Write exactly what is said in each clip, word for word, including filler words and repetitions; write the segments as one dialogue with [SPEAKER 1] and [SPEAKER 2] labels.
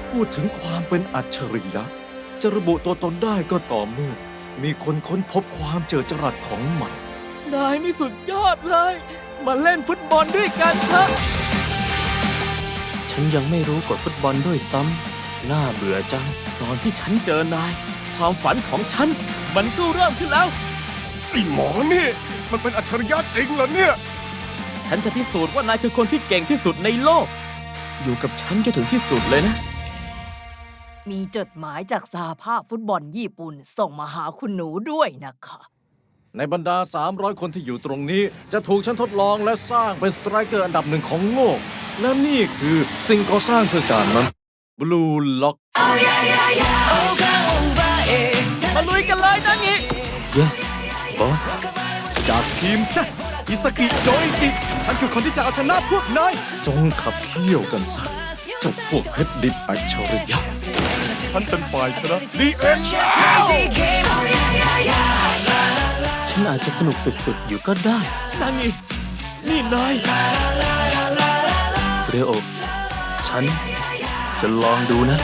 [SPEAKER 1] พูดถึงความเป็นอัจฉริยะจะระบุตัวตนได้ก็ต่อเมื่อมีคนค้นพบความเจิดจรัสของมันนายนี่สุดยอดเลยมาเล่นฟุตบอลด้วยกันเถอะฉันยังไม่รู้กฎฟุตบอลด้วยซ้ำน่าเบื่อจังตอนที่ฉันเจอนายความฝันของฉันมันก็เริ่มขึ้นแล้ว
[SPEAKER 2] ไอ้หมอนี่มันเป็นอัจฉริยะจริงเหรอเนี่ย
[SPEAKER 1] ฉันจะพิสูจน์ว่านายคือคนที่เก่งที่สุดในโลกอยู่กับฉันจนถึงที่สุดเลยนะ
[SPEAKER 3] มีจดหมายจากสหภาพฟุตบอลญี่ปุ่นส่งมาหาคุณหนูด้วยนะคะ
[SPEAKER 1] ในบรรดาสามร้อยคนที่อยู่ตรงนี้จะถูกฉันทดลองและสร้างเป็นสไตรเกอร์อันดับหนึ่งของโลกและนี่คือสิ่งก่อสร้างเพื่อการนั้น Blue Lock มาลุยกันเลยนะงี้ Yes boss
[SPEAKER 2] จากทีมแซะอิสกิโจอิจิฉันคือคนที่จะเอาชนะพวกนาย
[SPEAKER 1] จงขับเคี่ยวกันซะเจ้าพวกเพชรดิบอัจฉริยะ
[SPEAKER 2] ฉันเป็นฝ่ายชนะดีเอ็น
[SPEAKER 1] ฉันอาจจะสนุกสุดๆอยู่ก็ได้นั่นนี่นี่นายเรโอฉันจะลองดูนะ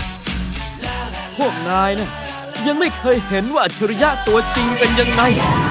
[SPEAKER 1] พวกนายนะยังไม่เคยเห็นว่าอัจฉริยะตัวจริงเป็นยังไง